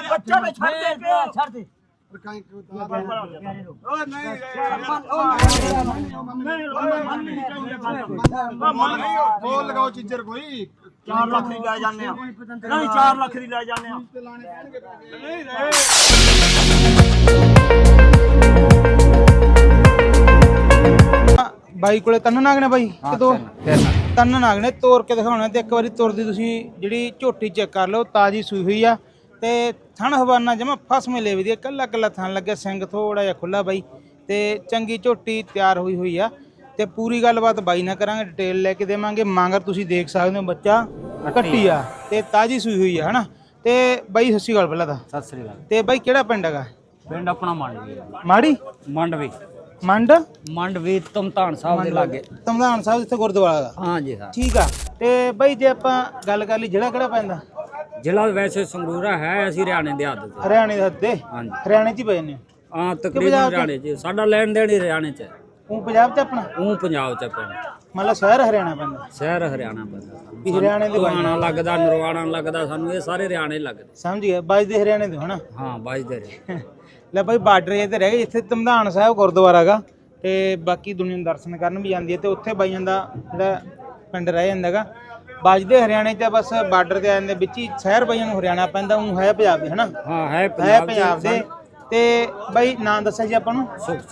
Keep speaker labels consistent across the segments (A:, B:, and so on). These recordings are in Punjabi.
A: बच्चा ने छड़ दे के
B: ਛੱਡ ਦੇ
C: बोल लगाओ चिज्जर कोई
A: 4 लाख दी ले जाने नहीं 4 लाख दी ले जाने
D: ਬਾਈ ਕੋਲੇ ਤਿੰਨ ਨਾਗ ਨੇ ਬਾਈ ਕਿਦੋਂ ਤਿੰਨ ਨਾਗ ਨੇ ਤੋੜ ਕੇ ਦਿਖਾਉਣੇ ਤੇ ਇੱਕ ਵਾਰੀ ਤੁਰਦੀ ਤੁਸੀਂ ਜਿਹੜੀ ਝੋਟੀ ਚੈੱਕ ਕਰ ਲਓ ਤਾਜੀ ਸੂਈ ਹੋਈ ਆ ਤੇ ਥਣ ਹਵਾਨਾ ਜਮਾ ਫਸਮੇ ਲੈ ਵੀ ਕੱਲਾ ਕੱਲਾ ਥਣ ਲੱਗਿਆ ਸਿੰਘ ਥੋੜਾ ਜਿਹਾ ਖੁੱਲਾ ਬਾਈ ਤੇ ਚੰਗੀ ਝੋਟੀ ਤਿਆਰ ਹੋਈ ਆ ਤੇ ਪੂਰੀ ਗੱਲਬਾਤ ਬਾਈ ਨਾਲ ਕਰਾਂਗੇ ਡਿਟੇਲ ਲੈ ਕੇ ਦੇਵਾਂਗੇ ਮਾਂਗਰ ਤੁਸੀਂ ਦੇਖ ਸਕਦੇ ਹੋ ਬੱਚਾ ਕੱਟੀ ਆ ਤੇ ਤਾਜੀ ਸੂਈ ਹੋਈ ਆ ਹਨਾ ਤੇ ਬਾਈ ਸੱਸੀ ਗੱਲ ਪਹਿਲਾਂ ਤਾਂ
B: ਸਤਿ ਸ੍ਰੀ ਅਕਾਲ
D: ਤੇ ਬਾਈ ਕਿਹੜਾ ਪਿੰਡ ਹੈਗਾ
B: ਪਿੰਡ ਆਪਣਾ ਮੰਡਵੀ
D: ਮਾੜੀ
B: ਮੰਡਵੀ
D: ਮੰਡਵੀ
B: ਤਮਤਾਨ ਸਾਹਿਬ ਦੇ ਲਾਗੇ
D: ਤਮਦਾਨ ਸਾਹਿਬ ਜਿੱਥੇ ਗੁਰਦੁਆਰਾ ਦਾ
B: ਹਾਂ ਜੀ ਹਾਂ
D: ਠੀਕ ਆ ਤੇ ਬਾਈ ਜੇ ਆਪਾਂ ਗੱਲ ਕਰ ਲਈ ਜਿਹੜਾ ਕਿਹੜਾ ਪੈਂਦਾ
B: ਜ਼ਿਲ੍ਹਾ ਵੈਸੇ ਸੰਗਰੂਰਾ ਹੈ ਅਸੀਂ ਹਰਿਆਣੇ ਦੇ ਹੱਦ ਤੇ
D: ਹਰਿਆਣੇ ਦੇ ਹੱਦੇ
B: ਹਾਂਜੀ
D: ਹਰਿਆਣੇ ਚ ਹੀ ਪਏ ਨੇ
B: ਹਾਂ ਤਕਰੀਬਨ ਹਰਿਆਣੇ ਚ ਸਾਡਾ ਲੈਣ ਦੇਣ ਹੀ ਹਰਿਆਣੇ ਚ ਹੈ
D: ਉਹ ਪੰਜਾਬ ਚ ਆਪਣਾ
B: ਉਹ ਪੰਜਾਬ ਚ ਪਿੰਡ
D: ਮਤਲਬ ਸ਼ਹਿਰ ਹਰਿਆਣਾ ਪੈਂਦਾ
B: ਸ਼ਹਿਰ ਹਰਿਆਣਾ ਪੈਂਦਾ
D: ਵੀ ਹਰਿਆਣੇ ਦੇ
B: ਹਰਿਆਣਾ ਲੱਗਦਾ ਨਰਵਾਣਾ ਲੱਗਦਾ ਸਾਨੂੰ ਇਹ ਸਾਰੇ ਹਰਿਆਣੇ ਲੱਗਦੇ
D: ਸਮਝ ਗਿਆ ਵੱਜਦੇ ਹਰਿਆਣੇ ਦੇ ਹਨਾ
B: ਹਾਂ ਵੱਜਦੇ ਰਹੇ
D: ਲੈ ਬਾਈ ਬਾਰਡਰ ਇਹ ਤੇ ਰਹਿ ਗਏ ਜਿੱਥੇ ਤਮਦਾਨ ਸਾਹਿਬ ਗੁਰਦੁਆਰਾ ਹੈਗਾ ਤੇ ਬਾਕੀ ਦੁਨੀਆ ਨੂੰ ਦਰਸ਼ਨ ਕਰਨ ਵੀ ਜਾਂਦੀ ਹੈ ਤੇ ਉੱਥੇ ਬਾਈਆਂ ਦਾ ਜਿਹੜਾ ਪਿੰਡ ਰਹਿ ਜਾਂਦਾ ਹੈਗਾ ਵੱਜਦੇ ਹਰਿਆਣੇ ਚ ਬਸ ਬਾਰਡਰ ਤੇ ਆ ਜਾਂਦੇ ਵਿੱਚ ਹੀ ਸ਼ਹਿਰ ਬਾਈਆਂ ਨੂੰ ਹਰਿਆਣਾ ਪੈਂਦਾ ਉਹ ਹੈ ਪੰਜਾਬ ਦੇ ਹਨਾ
B: ਹਾਂ ਹੈ
D: ਪੰਜਾਬ ਦੇ ਤੇ ਬਾਈ ਨਾਂ ਦੱਸਿਆ ਜੀ ਆਪਾਂ ਨੂੰ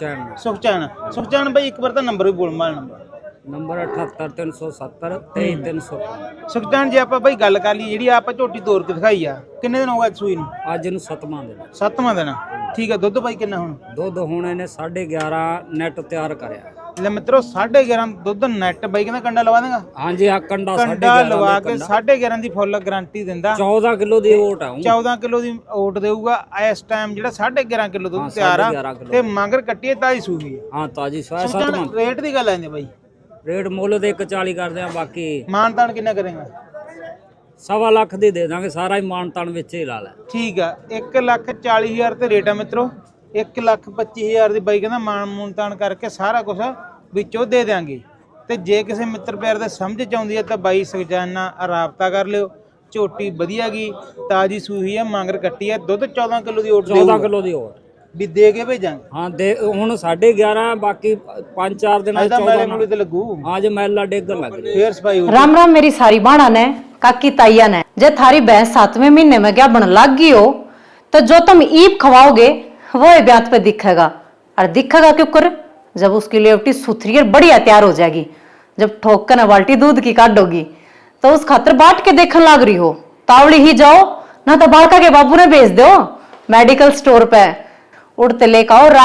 D: ਸੁਖਚੈਨ ਬਾਈ ਇੱਕ ਵਾਰ ਤਾਂ ਨੰਬਰ ਵੀ ਬੋਲ ਮਾਰ
B: ਨੰਬਰ 78370 23305
D: ਸੁਖਚੈਨ ਜੇ ਆਪਾਂ ਬਾਈ ਗੱਲ ਕਰ ਲਈ ਜਿਹੜੀ ਆਪਾਂ ਝੋਟੀ ਤੋੜ ਕੇ ਦਿਖਾਈ ਆ ਕਿੰਨੇ ਦਿਨ ਹੋ ਗਏ ਸੂਈ ਨੂੰ
B: ਅੱਜ ਇਹਨੂੰ 7ਵਾਂ ਦਿਨ
D: 7ਵਾਂ ਦਿਨ ਠੀਕ ਆ ਦੁੱਧ ਬਾਈ ਕਿੰਨਾ ਹੁਣ
B: ਦੁੱਧ ਹੁਣ ਇਹਨੇ 11.5 ਨੈਟ ਤਿਆਰ ਕਰਿਆ
D: ਲੈ ਮਿੱਤਰੋ 11.5 ਦੁੱਧ ਨੈਟ ਬਾਈ ਕਹਿੰਦਾ ਕੰਡਾ ਲਵਾ ਦੇਗਾ
B: ਹਾਂਜੀ ਆ ਕੰਡਾ
D: ਲਵਾ ਕੇ 11.5 ਦੀ ਫੁੱਲ ਗਾਰੰਟੀ ਦਿੰਦਾ
B: 14 ਕਿਲੋ ਦੀ ਓਟ ਆ
D: 14 ਕਿਲੋ ਦੀ ਓਟ ਦੇਊਗਾ ਇਸ ਟਾਈਮ ਜਿਹੜਾ 11.5 ਕਿਲੋ ਦੁੱਧ ਤਿਆਰ ਆ ਤੇ ਮਗਰ ਕੱਟੀਏ ਤਾਜੀ ਸੂਈ ਆ
B: ਹਾਂ ਤਾਜੀ ਸਵਾਇਆ 7ਵਾਂ
D: ਰੇਟ ਦੀ ਗੱਲ ਆਂਦੀ ਬਾਈ
B: ਰੇਟ ਮੁੱਲ ਦੇ 140 ਕਰਦੇ ਆ ਬਾਕੀ
D: ਮਾਨਤਾਨ ਕਿੰਨਾ ਕਰੇਗਾ
B: 1.25 ਲੱਖ ਦੀ ਦੇ ਦਾਂਗੇ ਸਾਰਾ ਹੀ ਮਾਨਤਾਨ ਵਿੱਚ ਹੀ ਲਾ ਲੈ
D: ਠੀਕ ਆ 1,40,000 ਤੇ ਰੇਟ ਆ ਮਿੱਤਰੋ 1,25,000 ਦੀ ਬਾਈ ਕਹਿੰਦਾ ਮਾਨਤਾਨ ਕਰਕੇ ਸਾਰਾ ਕੁਝ ਵਿੱਚੋਂ ਦੇ ਦਿਆਂਗੇ ਤੇ ਜੇ ਕਿਸੇ ਮਿੱਤਰ ਪਿਆਰ ਦੇ ਸਮਝ ਚ ਆਉਂਦੀ ਹੈ ਤਾਂ ਬਾਈ ਸੁਖਚੈਨ ਰਾਬਤਾ ਕਰ ਲਿਓ ਝੋਟੀ ਵਧੀਆ ਗਈ ਤਾਜੀ ਸੂਈ ਆ ਮਾਂਗਰ ਕੱਟੀ ਆ ਦੁੱਧ 14 ਕਿਲੋ ਦੀ ਓਟ
B: 14 ਕਿਲੋ ਦੀ ਓਟ
D: ਵੀ ਦੇ ਕੇ ਭੇਜਾਂਗੇ
B: ਹਾਂ ਦੇ ਹੁਣ 11.5 ਬਾਕੀ 5-4 ਦਿਨਾਂ
D: ਚ 14 ਤੇ ਲੱਗੂ
B: ਹਾਂ ਜੇ ਮੈਲਾ ਡੇਗਣ ਲੱਗ ਰਹੀ
D: ਫੇਰ ਸਫਾਈ हो
E: राम राम मेरी सारी बाणा ने काकी ताइया ने जे थारी भैंस 7वें महीने में क्या बन लग गई हो तो जो तुम ईप खवाओगे वो ब्यात पे दिखेगा और दिखेगा क्यों कर जब उसकी लेवटी सुथरी और बढ़िया तैयार हो जाएगी जब ठोक कर बाल्टी दूध की काटोगी तो उस खातर बाट के देखने लग रही हो तावड़ी ही जाओ ना तो बालका के बाबू ने भेज दो मेडिकल स्टोर पे उड़ते लेकर आओ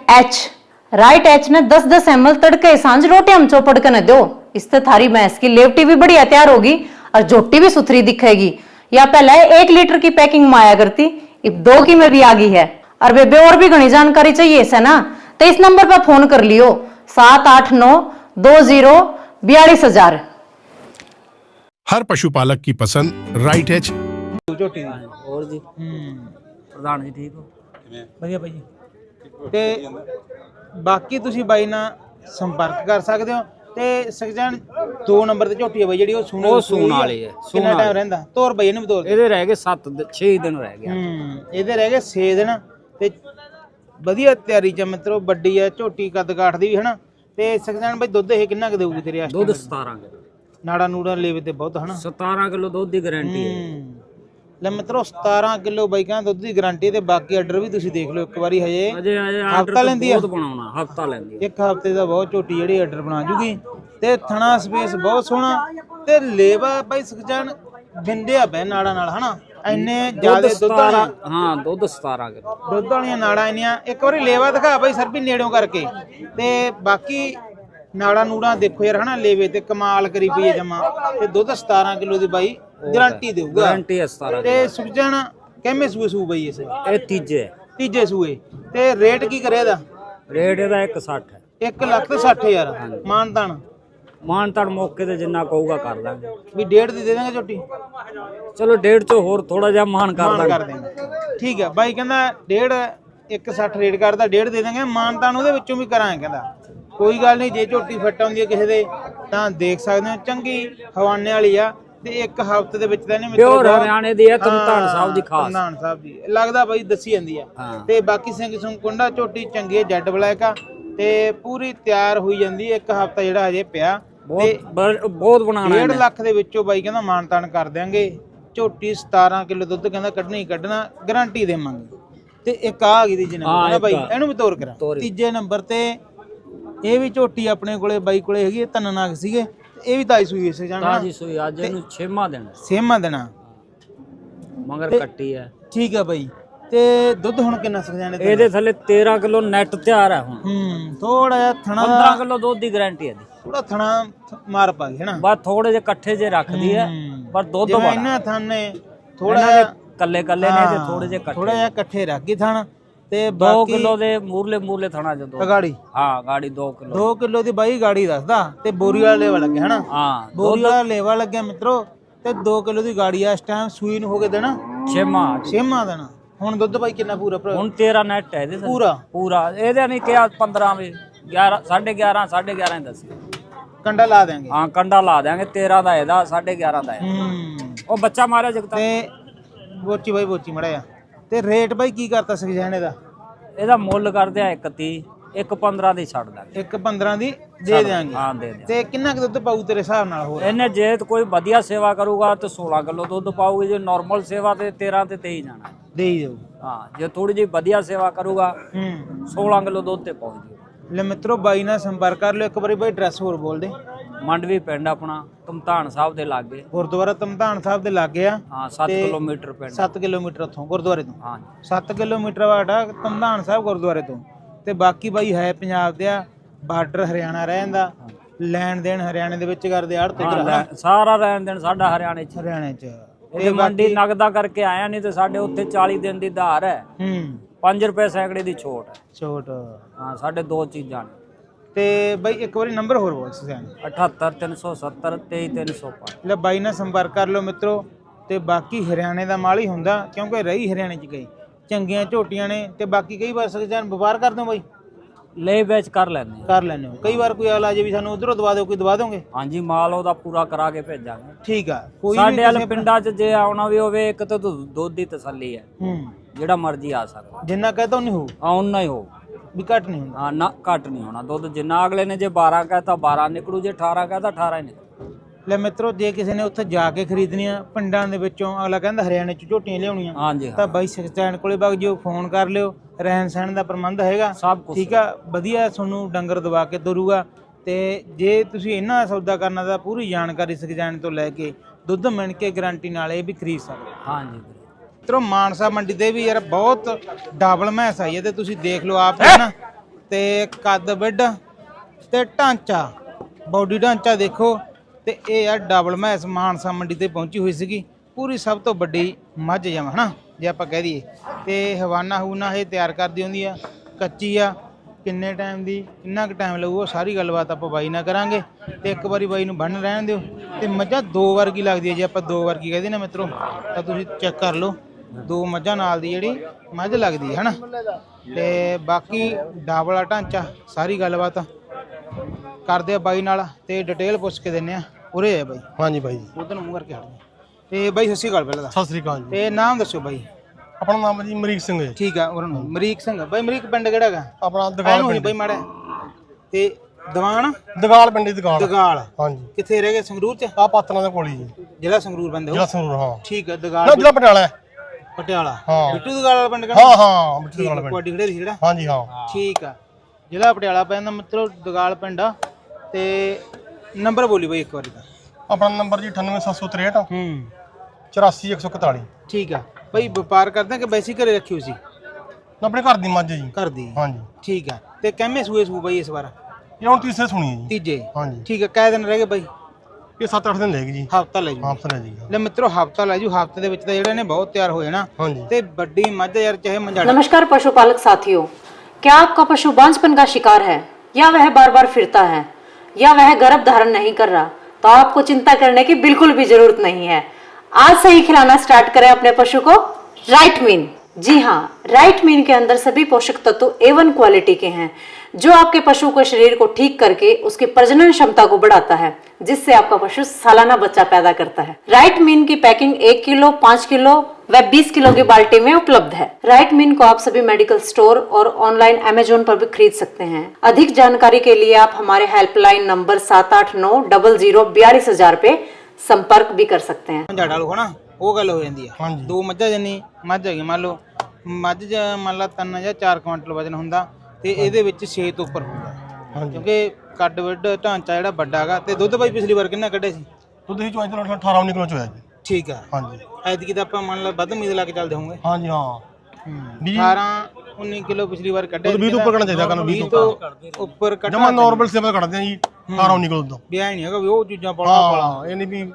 E: राइट एच ने 10-10 ml तड़के सांझ रोटी हम चौपड़ के न दो इससे थारी भैंस की लेवटी भी बढ़िया तैयार होगी और झोटी भी सुथरी दिखेगी या पहले 1 लीटर की पैकिंग में आया करती अब 2 की में भी आ गई है और बेबे और भी घनी जानकारी चाहिए इसे ना तो इस नंबर पर फोन कर लियो 78920424000।
F: हर पशुपालक की पसंद राइट एच
D: ਝੋਟੀ ਦੀ
B: ਹੋਰ ਜੀ ਪ੍ਰਧਾਨ ਜੀ ਠੀਕ ਹੋ
D: ਵਧੀਆ ਬਾਈ ਜੀ ਤੇ ਬਾਕੀ ਤੁਸੀਂ ਬਾਈ ਨਾਲ ਸੰਪਰਕ ਕਰ ਸਕਦੇ ਹੋ ਤੇ ਸੁਖਚੈਨ 2 ਨੰਬਰ ਤੇ ਝੋਟੀ ਹੈ ਬਾਈ ਜਿਹੜੀ ਉਹ
B: ਸੂਣ ਵਾਲੀ ਹੈ
D: ਕਿੰਨਾ ਟਾਈਮ ਰਹਿੰਦਾ ਤੋਰ ਬਾਈ ਇਹਨੂੰ ਵੀ ਤੋਰ
B: ਇਹਦੇ ਰਹਿ ਗਏ 6 ਦਿਨ ਰਹਿ ਗਏ
D: ਇਹਦੇ ਰਹਿ ਗਏ 6 ਦਿਨ ਤੇ ਵਧੀਆ ਤਿਆਰੀ ਚ ਮਿੱਤਰੋ ਵੱਡੀ ਹੈ ਝੋਟੀ ਕੱਦ ਕਾਠ ਦੀ ਵੀ ਹਨਾ ਤੇ ਸੁਖਚੈਨ ਬਾਈ ਦੁੱਧ ਇਹ ਕਿੰਨਾ ਕੁ ਦੇਊਗੀ ਤੇਰੇ ਆਸਤੇ
B: ਦੁੱਧ 17 ਕਿਲੋ
D: ਨਾੜਾ ਨੂੜਾ ਲੇਵੇ ਤੇ ਬਹੁਤ ਹਨਾ
B: 17 ਕਿਲੋ ਦੁੱਧ ਦੀ ਗਾਰੰਟੀ ਹੈ
D: ਲੈ ਮਿੱਤਰੋ 17 ਕਿਲੋ ਬਾਈ ਕਹਿੰਦਾ ਦੁੱਧ ਦੀ ਗਾਰੰਟੀ ਤੇ ਬਾਕੀ ਆਰਡਰ ਵੀ ਤੁਸੀਂ ਦੇਖ ਲਓ ਇੱਕ ਵਾਰੀ ਹਜੇ ਹਫਤਾ ਲੈਂਦੀ ਆ
B: ਬਹੁਤ ਬਣਾਉਣਾ ਹਫਤਾ ਲੈਂਦੀ
D: ਇੱਕ ਹਫਤੇ ਦਾ ਬਹੁਤ ਝੋਟੀ ਜਿਹੜੀ ਆਰਡਰ ਬਣਾ ਜੂਗੀ ਤੇ ਥਣਾ ਸਪੇਸ ਬਹੁਤ ਸੋਹਣਾ ਤੇ ਲੇਵਾ ਬਾਈ ਸੁਖਚੈਨ ਬਿੰਦਿਆ ਪੈ ਨਾੜਾ ਨਾਲ ਹਨਾ ਇੰਨੇ ਜ਼ਿਆਦਾ ਦੁੱਧ
B: ਹਾਂ ਦੁੱਧ 17 ਕਿਲੋ
D: ਦੁੱਧ ਵਾਲੀਆਂ ਨਾੜਾਂ ਇੰਨੀਆਂ ਇੱਕ ਵਾਰੀ ਲੇਵਾ ਦਿਖਾ ਬਾਈ ਸਰ ਵੀ ਨੇੜਿਓਂ ਕਰਕੇ ਤੇ ਬਾਕੀ ਨਾੜਾ ਨੂੜਾ ਦੇਖੋ ਯਾਰ ਹਨਾ ਲੇਵੇ ਤੇ ਕਮਾਲ ਕਰੀ ਪਈ ਜਮਾ ਤੇ ਦੁੱਧ 17 ਕਿਲੋ ਦੀ ਬਾਈ ਗਾਰੰਟੀ ਦੇਊਗਾ
B: ਗਾਰੰਟੀ ਹੈ 17
D: ਤੇ ਸੁਖਚੈਨ ਕਿੰਨੇ ਸੂਏ ਸੂ ਬਾਈ ਇਸ
B: ਇਹ ਤੀਜੇ
D: ਸੂਏ ਤੇ ਰੇਟ ਕੀ ਕਰਿਆ ਇਹਦਾ
B: ਰੇਟ ਇਹਦਾ 160 ਹੈ
D: 1,60,000
B: ਮਾਨਤਾਨ ਮੌਕੇ ਤੇ ਜਿੰਨਾ ਕਹੂਗਾ ਕਰ ਦਾਂਗੇ
D: ਵੀ 1.5 ਦੀ ਦੇ ਦਾਂਗੇ ਝੋਟੀ
B: ਚਲੋ 1.5 ਚੋਂ ਹੋਰ ਥੋੜਾ ਜਿਹਾ ਮਾਨ ਕਰ ਦਾਂਗੇ
D: ਠੀਕ ਹੈ ਬਾਈ ਕਹਿੰਦਾ 1.5 ਰੇਟ ਕਰਦਾ 1.5 ਦੇ ਦਾਂਗੇ ਮਾਨਤਾਨ ਉਹਦੇ ਵਿੱਚੋਂ ਵੀ ਕਰਾਂਗੇ ਕਹਿੰਦਾ ਕੋਈ ਗੱਲ ਨਹੀਂ ਜੇ ਝੋਟੀ ਫਿੱਟ ਆਉਂਦੀ ਹੈ ਕਿਸੇ ਦੇ ਤਾਂ ਦੇਖ ਸਕਦੇ ਹੋ ਚੰਗੀ ਹਵਾਨੇ ਵਾਲੀ ਆ ਤੇ ਇੱਕ ਹਫ਼ਤੇ ਦੇ ਵਿੱਚ ਤਾਂ ਇਹਨੇ
B: ਪਿਓਰ ਹਰਿਆਣੇ ਦੀ ਹੈ, ਤਰਨਤਾਰਨ ਸਾਹਿਬ ਦੀ ਖਾਸ।
D: ਤਰਨਤਾਰਨ ਸਾਹਿਬ ਦੀ ਲੱਗਦਾ ਬਾਈ ਦੱਸੀ ਜਾਂਦੀ ਆ। ਤੇ ਬਾਕੀ ਸਿੰਘ ਸੁੰਗ ਕੁੰਡਾ ਝੋਟੀ ਚੰਗੀ ਹੈ, ਜੈਡ ਬਲੈਕ ਆ ਤੇ ਪੂਰੀ ਤਿਆਰ ਹੋਈ ਜਾਂਦੀ। ਇੱਕ ਹਫ਼ਤਾ ਜਿਹੜਾ ਹਜੇ ਪਿਆ,
B: ਬਹੁਤ ਬਣਾਣਾ
D: 1.5 ਲੱਖ ਦੇ ਵਿੱਚੋਂ ਬਾਈ ਕਹਿੰਦਾ ਮਾਨਤਾਨ ਕਰ ਦਿਆਂਗੇ। ਝੋਟੀ 17 ਕਿਲੋ ਦੁੱਧ ਕਹਿੰਦਾ ਕੱਢਣਾ ਹੀ ਕੱਢਣਾ, ਗਾਰੰਟੀ ਦੇਵਾਂਗੇ। ਤੇ ਇੱਕ ਆ ਗਈ ਦੀ ਜਨਾਬ ਬਾਈ, ਇਹਨੂੰ ਵੀ ਤੋਰ ਕਰਾਂ। ਤੀਜੇ ਨੰਬਰ ਤੇ ਇਹ ਵੀ ਝੋਟੀ ਆਪਣੇ ਕੋਲੇ ਬਾਈ ਕੋਲੇ ਹੈਗੀ, 3 ਨਾਗ ਸੀਗੇ, ਇਹ ਵੀ ਤਾਈ ਸੂਈ ਇਸੇ ਜਾਣਾ
B: ਤਾਜੀ ਸੂਈ ਅੱਜ ਇਹਨੂੰ 6ਵਾਂ ਦਿਨ।
D: 6ਵਾਂ ਦਿਨਾ
B: ਮਗਰ ਕੱਟੀ ਹੈ।
D: ਠੀਕ ਆ ਬਾਈ। ਤੇ ਦੁੱਧ ਹੁਣ ਕਿੰਨਾ ਸਕ ਜਾਣੇ
B: ਇਹਦੇ ਥੱਲੇ 13 ਕਿਲੋ ਨੈਟ ਤਿਆਰ ਹੈ ਹੁਣ।
D: ਥੋੜਾ ਜਿਹਾ ਥਣਾ
B: 15 ਕਿਲੋ ਦੁੱਧ ਦੀ ਗਾਰੰਟੀ ਹੈ ਦੀ।
D: ਥੋੜਾ ਥਣਾ ਮਾਰ ਪਾ ਗਈ ਹੈ ਨਾ,
B: ਬਸ ਥੋੜੇ ਜਿਹੇ ਇਕੱਠੇ ਜੇ ਰੱਖਦੀ ਹੈ, ਪਰ ਦੁੱਧ
D: ਜਿਵੇਂ
B: ਬੜਾ
D: ਇਹਨਾਂ ਥਾਨੇ ਥੋੜਾ ਜਿਹਾ
B: ਕੱਲੇ ਕੱਲੇ ਨੇ ਤੇ ਥੋੜੇ ਜਿਹੇ
D: ਥੋੜਾ ਜਿਹਾ ਇਕੱਠੇ ਰੱਖ ਗਈ ਥਣ। ਤੇ
B: 2
D: ਬਾਕੀ
B: ਕਿਲੋ ਦੇ ਮੂਰਲੇ ਥਣਾ ਜਦੋਂ
D: ਗਾੜੀ,
B: ਹਾਂ ਗਾੜੀ 2 ਕਿਲੋ
D: 2 ਕਿਲੋ ਦੀ ਬਾਈ ਗਾੜੀ ਦੱਸਦਾ। ਤੇ ਬੋਰੀ ਵਾਲਾ ਲੇਵਾ ਲੱਗਿਆ ਹੈ ਨਾ,
B: ਹਾਂ
D: ਬੋਰੀ ਵਾਲਾ ਲੇਵਾ ਲੱਗਿਆ ਮਿੱਤਰੋ। ਤੇ 2 ਕਿਲੋ ਦੀ ਗਾੜੀ ਆ। ਇਸ ਟਾਈਮ ਸੂਈ ਨੂੰ ਹੋ ਕੇ ਦੇਣਾ 6ਵਾਂ ਦੇਣਾ। ਹੁਣ ਦੁੱਧ ਬਾਈ ਕਿੰਨਾ ਪੂਰਾ ਭਰਾ?
B: ਹੁਣ 13 ਨੈਟ ਹੈ ਇਹਦੇ
D: ਪੂਰਾ
B: ਪੂਰਾ। ਇਹਦੇ ਨਹੀਂ ਕਿਹਾ 15 ਵੀ 11 11.5 ਦੱਸ
D: ਕੰਡਾ ਲਾ ਦੇਾਂਗੇ।
B: ਹਾਂ ਕੰਡਾ ਲਾ ਦੇਾਂਗੇ। 13 ਦਾ ਇਹਦਾ 11.5 ਦਾ ਉਹ ਬੱਚਾ ਮਾਰਿਆ ਜਗਤਾ।
D: ਤੇ ਬੋਚੀ ਬਾਈ ਬੋਚੀ ਮੜਿਆ। ਤੇ ਰੇਟ ਬਾਈ ਕੀ ਕਰਤਾ ਸਖਜਾਨੇ ਦਾ?
B: ਇਹਦਾ ਮੁੱਲ ਕਰਦੇ ਆ 1.30 1.15 ਦੀ ਛੱਡ ਦਾਂਗੇ।
D: 1.15 ਦੀ ਦੇ ਦੇਾਂਗੇ।
B: ਹਾਂ ਦੇ ਦੇ।
D: ਤੇ ਕਿੰਨਾ ਕੁ ਦੁੱਧ ਪਾਊ ਤੇਰੇ ਹਿਸਾਬ ਨਾਲ? ਹੋਰ
B: ਇਹਨੇ ਜੇ ਕੋਈ ਵਧੀਆ ਸੇਵਾ ਕਰੂਗਾ ਤੇ 16 ਕਿਲੋ ਦੁੱਧ ਪਾਊਗੀ। ਜੇ ਨਾਰਮਲ ਸੇਵਾ ਤੇ 13 ਤੇ 23 ਜਾਣਾ
D: ਦੇ ਹੀ ਦੇਊ।
B: ਹਾਂ ਜੇ ਥੋੜੀ ਜਿਹੀ ਵਧੀਆ ਸੇਵਾ ਕਰੂਗਾ 16 ਕਿਲੋ ਦੁੱਧ ਤੇ ਪਹੁੰਚ ਜੂ।
D: ਲੈ ਮਿੱਤਰੋ ਬਾਈ ਨਾਲ ਸੰਪਰਕ ਕਰ ਲਿਓ। ਇੱਕ ਵਾਰੀ ਬਾਈ ਐਡਰੈਸ ਹੋਰ ਬੋਲ ਦੇ।
B: ਮੰਡਵੀ ਪਿੰਡ ਆਪਣਾ ਧਮਧਾਨ ਸਾਹਿਬ ਦੇ ਲਾਗੇ,
D: ਗੁਰਦੁਆਰਾ ਧਮਧਾਨ ਸਾਹਿਬ ਦੇ ਲਾਗੇ ਆ।
B: ਹਾਂ 7 ਕਿਲੋਮੀਟਰ ਪਿੰਡ।
D: 7 ਕਿਲੋਮੀਟਰ ਉੱਥੋਂ ਗੁਰਦੁਆਰੇ ਤੋਂ।
B: ਹਾਂ
D: 7 ਕਿਲੋਮੀਟਰ ਵਾਟਾ ਧਮਧਾਨ ਸਾਹਿਬ ਗੁਰਦੁਆਰੇ ਤੋਂ। ਤੇ ਬਾਕੀ ਬਾਈ ਹੈ ਪੰਜਾਬ ਦੇ ਆ, ਬਾਰਡਰ ਹਰਿਆਣਾ ਰਹਿ ਜਾਂਦਾ। ਲੈਣ ਦੇਣ ਹਰਿਆਣੇ ਦੇ ਵਿੱਚ ਕਰਦੇ ਆੜ ਤੇ
B: ਸਾਰਾ ਰਹਿਣ ਦੇਣ ਸਾਡਾ ਹਰਿਆਣੇ ਚ।
D: ਹਰਿਆਣੇ ਚ
B: ਇਹ ਮੰਡੀ ਨਗਦਾ ਕਰਕੇ ਆਇਆ, ਨਹੀਂ ਤੇ ਸਾਡੇ ਉੱਥੇ 40 ਦਿਨ ਦੀ ਧਾਰ ਹੈ। 5 ਰੁਪਏ ਸੈਕੜੇ ਦੀ ਛੋਟ ਹੈ।
D: ਛੋਟ
B: ਹਾਂ ਸਾਡੇ 2 ਚੀਜ਼ਾਂ ਨੇ।
D: ਤੇ ਬਾਈ ਇੱਕ ਵਾਰੀ ਨੰਬਰ ਹੋਰ ਬੋਲ ਸਿਆਣ।
B: 78 370 23 305।
D: ਲੈ ਬਾਈ ਨਾਲ ਸੰਪਰਕ ਕਰ ਲਓ ਮਿੱਤਰੋ। ਤੇ ਬਾਕੀ ਹਰਿਆਣੇ ਦਾ ਮਾਲ ਹੀ ਹੁੰਦਾ, ਕਿਉਂਕਿ ਰਹੀ ਹਰਿਆਣੇ ਚ ਗਈ। ਚੰਗੀਆਂ ਝੋਟੀਆਂ ਨੇ। ਤੇ ਬਾਕੀ ਕਈ ਵਾਰ ਸਖਜਾਨ ਵਪਾਰ ਕਰਦੇ ਹੋ ਬਾਈ?
B: ਲੈ ਵੇਚ ਕਰ ਲੈਂਦੇ
D: ਕਰ ਲੈਂਦੇ ਹੋ। ਕਈ ਵਾਰ ਕੋਈ ਆਲਾ ਜੇ ਵੀ ਸਾਨੂੰ ਉਧਰੋਂ ਦਵਾ ਦਿਓ, ਕੋਈ ਦਵਾ ਦੋਗੇ?
B: ਹਾਂਜੀ ਮਾਲ ਉਹਦਾ ਪੂਰਾ ਕਰਾ ਕੇ ਭੇਜਾਂਗੇ।
D: ਠੀਕ ਆ। ਕੋਈ
B: ਸਾਡੇ ਵਾਲੇ ਪਿੰਡਾਂ 'ਚ ਜੇ ਆਉਣਾ ਵੀ ਹੋਵੇ, ਇੱਕ ਤਾਂ ਦੁੱਧ ਦੀ ਤਸੱਲੀ ਹੈ, ਜਿਹੜਾ ਮਰਜ਼ੀ ਆ ਸਕਦਾ।
D: ਜਿੰਨਾ ਕਹਤਾ ਨਹੀਂ ਹੋਊ,
B: ਆਉਣਾ ਹੀ ਹੋ
D: ਵੀ ਘੱਟ ਨਹੀਂ ਹੁੰਦਾ।
B: ਹਾਂ ਨਾ ਘੱਟ ਨਹੀਂ ਹੋਣਾ ਦੁੱਧ। ਜਿੰਨਾ ਅਗਲੇ ਨੇ ਜੇ 12 ਕਹਤਾ 12 ਨਿਕਲੂ, ਜੇ 18 ਕਹਤਾ 18 ਹੀ ਨਿਕਲੂ।
D: ਲੈ ਮਿੱਤਰੋ ਜੇ ਕਿਸੇ ਨੇ ਉੱਥੇ ਜਾ ਕੇ ਖਰੀਦਣੀਆਂ ਪਿੰਡਾਂ ਦੇ ਵਿੱਚੋਂ, ਅਗਲਾ ਕਹਿੰਦਾ ਹਰਿਆਣੇ ਚ ਝੋਟੀਆਂ ਲਿਆਉਣੀਆਂ,
B: ਹਾਂਜੀ
D: ਤਾਂ ਬਾਈ ਸਖਜਾਨ ਕੋਲੇ ਵਗ ਜਿਓ, ਫੋਨ ਕਰ ਲਿਓ। ਰਹਿਣ ਸਹਿਣ ਦਾ ਪ੍ਰਬੰਧ ਹੈਗਾ
B: ਸਭ ਕੁਝ।
D: ਠੀਕ ਆ, ਵਧੀਆ ਤੁਹਾਨੂੰ ਡੰਗਰ ਦਵਾ ਕੇ ਤੁਰੂਗਾ। ਤੇ ਜੇ ਤੁਸੀਂ ਇਹਨਾਂ ਦਾ ਸੌਦਾ ਕਰਨਾ ਤਾਂ ਪੂਰੀ ਜਾਣਕਾਰੀ ਸਖਜਾਨ ਤੋਂ ਲੈ ਕੇ ਦੁੱਧ ਮਿਣ ਕੇ ਗਾਰੰਟੀ ਨਾਲ ਇਹ ਵੀ ਖਰੀਦ ਸਕਦੇ।
B: ਹਾਂਜੀ
D: ਮਿੱਤਰੋ ਮਾਨਸਾ ਮੰਡੀ ਤੇ ਵੀ ਯਾਰ ਬਹੁਤ ਡਬਲ ਮੈਸ ਆਈ ਹੈ, ਤੇ ਤੁਸੀਂ ਦੇਖ ਲਓ ਆਪ ਹੈ ਨਾ। ਤੇ ਕੱਦ ਵਿੱਡ ਤੇ ਢਾਂਚਾ, ਬਾਡੀ ਢਾਂਚਾ ਦੇਖੋ। ਤੇ ਇਹ ਯਾਰ ਡਬਲ ਮੈਸ ਮਾਨਸਾ ਮੰਡੀ ਤੇ ਪਹੁੰਚੀ ਹੋਈ ਸੀਗੀ। ਪੂਰੀ ਸਭ ਤੋਂ ਵੱਡੀ ਮੱਝ ਜਮ ਹਨਾ ਜੇ ਆਪਾਂ ਕਹਿ ਦਈਏ। ਤੇ ਹਵਾਨਾ ਹੂਨਾ ਇਹ ਤਿਆਰ ਕਰਦੀ ਹੁੰਦੀ ਆ, ਕੱਚੀ ਆ। ਕਿੰਨੇ ਟਾਈਮ ਦੀ, ਕਿੰਨਾ ਕੁ ਟਾਈਮ ਲੱਗੂ, ਉਹ ਸਾਰੀ ਗੱਲਬਾਤ ਆਪਾਂ ਬਾਈ ਨਾਲ ਕਰਾਂਗੇ। ਤੇ ਇੱਕ ਵਾਰੀ ਬਾਈ ਨੂੰ ਬੰਨ ਰਹਿਣ ਦਿਓ। ਤੇ ਮੱਝਾਂ 2 ਵਰਗੀ ਲੱਗਦੀ ਹੈ, ਜੇ ਆਪਾਂ 2 ਵਰਗੀ ਕਹਦੇ ਨਾ ਮਿੱਤਰੋ, ਤਾਂ ਤੁਸੀਂ ਚੈੱਕ ਕਰ ਲਓ। 2 ਮੱਝਾਂ ਨਾਲ ਦੀ ਜਿਹੜੀ ਮੱਝ ਲੱਗਦੀ ਹੈ ਹਨਾ। ਤੇ ਬਾਕੀ ਡਬਲ ਢਾਂਚਾ, ਸਾਰੀ ਗੱਲਬਾਤ ਕਰਦੇ ਆ ਬਾਈ ਨਾਲ ਤੇ ਡਿਟੇਲ ਪੁੱਛ ਕੇ ਦਿੰਨੇ ਆ। ਉਰੇ ਆ ਬਾਈ।
C: ਹਾਂਜੀ ਬਾਈ ਜੀ।
D: ਉਧਰ ਨੂੰ ਮੂੰਹ ਕਰਕੇ ਹਟ ਤੇ ਬਾਈ ਸਤਿ ਸ਼੍ਰੀ ਅਕਾਲ ਪਹਿਲਾਂ ਤਾਂ।
C: ਸਤਿ ਸ੍ਰੀ ਅਕਾਲ ਜੀ।
D: ਤੇ ਨਾਮ ਦੱਸੋ ਬਾਈ?
C: ਆਪਣਾ ਨਾਮ ਜੀ ਅਮਰੀਕ ਸਿੰਘ ਹੈ।
D: ਠੀਕ ਆ। ਉਹਨਾਂ ਨੂੰ ਅਮਰੀਕ ਸਿੰਘ ਬਾਈ। ਅਮਰੀਕ ਪਿੰਡ ਕਿਹੜਾ ਹੈਗਾ
C: ਆਪਣਾ ਦਗਾਲ
D: ਹੋਣੀ ਬਾਈ ਮਾੜਾ? ਤੇ ਦੀਵਾਨ
C: ਦਗਾਲ ਪਿੰਡ ਦੀ ਦਗਾਲ।
D: ਦਗਾਲ
C: ਹਾਂਜੀ।
D: ਕਿੱਥੇ ਰਹਿ ਗਏ? ਸੰਗਰੂਰ ਚ?
C: ਆ ਪਾਤਰਾਂ ਦੇ ਕੋਲ ਹੀ ਜੀ।
D: ਜ਼ਿਲ੍ਹਾ ਸੰਗਰੂਰ ਬੰਦੇ ਹੋ?
C: ਜ਼ਿਲ੍ਹਾ ਸੰਗਰੂਰ ਹਾਂ।
D: ਠੀਕ ਆ।
C: ਨਾ
D: ਦਗਾਲ
C: ਜ਼ਿਲ੍ਹਾ ਪਟਿਆਲਾ।
D: ਪਟਿਆਲਾ।
C: ਹਾਂ।
D: ਬਿੱਟੂ ਦਗਾਲ ਵਾਲਾ ਪਿੰਡ ਕਿਹੜਾ?
C: ਹਾਂ ਹਾਂ ਬਿੱਟੂ ਦਗਾਲ ਪਿੰਡ।
D: ਕੋਡੀ ਖੜੇ ਸੀ ਜਿਹੜਾ?
C: ਹਾਂਜੀ ਹਾਂ।
D: ਠੀਕ ਆ। ਜ਼ਿਲ੍ਹਾ ਪਟਿਆਲਾ ਪੈਂਦਾ ਮਿੱਤਰੋ, ਦਗਾਲ ਪਿੰਡ ਆ। ਤੇ ਨੰਬਰ ਬੋਲੀ ਬਾਈ ਇੱਕ ਵਾਰੀ ਦਾ।
C: ਆਪਣਾ ਨੰਬਰ ਜੀ 98763 84141।
D: ਠੀਕ ਆ ਬਾਈ। ਵਪਾਰ ਕਰਦੇ ਕਿ ਵੈਸੇ ਘਰੇ ਰੱਖੀ ਹੋਈ ਸੀ?
C: ਆਪਣੇ ਘਰ ਦੀ ਮੱਝ ਜੀ।
D: ਘਰ ਦੀ?
C: ਹਾਂਜੀ।
D: ਠੀਕ ਆ। ਤੇ ਕਿੰਨੇ ਸੂਏ ਸੂ ਬਾਈ ਇਸ ਵਾਰ?
C: ਇਹ ਹੁਣ ਤੀਸਰੇ ਸੁਣੀ ਹੈ ਜੀ।
D: ਤੀਜੇ?
C: ਹਾਂਜੀ।
D: ਠੀਕ ਆ। ਕਿੰਨੇ ਦਿਨ ਰਹਿ ਗਏ ਬਾਈ?
C: ਇਹ 7-8 ਦਿਨ ਲੈਗੀ ਜੀ।
D: ਹਫਤਾ ਲੈ ਜੂ?
C: ਹਫਤਾ ਲੈ ਜੀ।
D: ਲੈ ਮਿੱਤਰੋ ਹਫਤਾ ਲੈ ਜੂ। ਹਫਤੇ ਦੇ ਵਿੱਚ ਤਾਂ ਜਿਹੜੇ ਨੇ ਬਹੁਤ ਤਿਆਰ ਹੋ ਜਾਣਾ।
C: ਹਾਂਜੀ।
D: ਤੇ ਵੱਡੀ ਮੱਝ ਯਾਰ ਚਾਹੇ ਮੰਝਾੜਾ।
E: नमस्कार पशुपालक साथियों, क्या आपका पशु बांझपन का शिकार है, या वह बार बार फिरता है, या वह गर्भ धारण नहीं कर रहा, तो आपको चिंता करने की बिल्कुल भी जरूरत नहीं है। आज से ही खिलाना स्टार्ट करें अपने पशु को राइट मीन। जी हाँ, राइट मीन के अंदर सभी पोषक तत्व A1 क्वालिटी के हैं, जो आपके पशु के शरीर को ठीक करके उसकी प्रजनन क्षमता को बढ़ाता है, जिससे आपका पशु सालाना बच्चा पैदा करता है। राइट मीन की पैकिंग 1 किलो, 5 किलो व 20 किलो की बाल्टी में उपलब्ध है। राइट मीन को आप सभी मेडिकल स्टोर और ऑनलाइन अमेजोन पर भी खरीद सकते हैं। अधिक जानकारी के लिए आप हमारे हेल्पलाइन नंबर 78900042000 पे संपर्क भी कर सकते हैं।
D: ਝਾੜਾ ਲੋ ਹਨਾ ਉਹ ਗੱਲ ਹੋ ਜਾਂਦੀ ਆ।
C: ਹਾਂਜੀ।
D: 2 ਮੱਝਾਂ ਜਿੰਨੀ ਮੱਝ ਹੈਗੀ, ਮੰਨ ਲਓ ਮੱਝ ਮੰਨ ਲਾ 3 ਜਾਂ 4 ਕੁਇੰਟਲ ਵਜਨ ਹੁੰਦਾ ਤੇ ਇਹਦੇ ਵਿੱਚ 6 ਤੋਂ ਉੱਪਰ ਹੁੰਦਾ, ਕਿਉਂਕਿ ਕੱਦ ਵੱਡ ਢਾਂਚਾ ਜਿਹੜਾ ਵੱਡਾ ਹੈਗਾ। ਤੇ ਦੁੱਧ ਬਾਈ ਪਿਛਲੀ ਵਾਰ ਕਿੰਨਾ ਕੱਢਿਆ ਸੀ?
C: ਦੁੱਧ ਹੀ ਚੋਂ 18-19 ਕਿਲੋ ਚ ਹੋਇਆ ਜੀ।
D: ਠੀਕ ਆ।
C: ਹਾਂਜੀ
D: ਐਤਕੀ ਤਾਂ ਆਪਾਂ ਮੰਨ ਲਾ ਵੱਧ ਉਮੀਦ ਲਾ ਕੇ ਚੱਲਦੇ ਹੋਵਾਂਗੇ।
C: ਹਾਂਜੀ ਹਾਂ
D: 18-19 ਕਿਲੋ ਪਿਛਲੀ ਵਾਰ ਕੱਢਿਆ।
C: ਦੁੱਧ 20 ਤੋਂ ਉੱਪਰ ਕੱਢਣਾ ਚਾਹੀਦਾ, ਕਹਿੰਦਾ
D: 20 ਤੋਂ ਉੱਪਰ ਕੱਢਣਾ
C: ਜਮਾ ਨਾਰਮਲ ਸੇਵਾ ਕੱਢਦੇ ਆ ਜੀ 18-19 ਕਿਲੋ ਦੁੱਧ।
D: ਵੀ ਐ ਨਹੀਂ ਹੈਗਾ ਵੀ ਉਹ ਚੀਜ਼ਾਂ ਪਾਉਣਾ
C: ਹਾਂ ਇਹ ਨਹੀਂ ਵੀ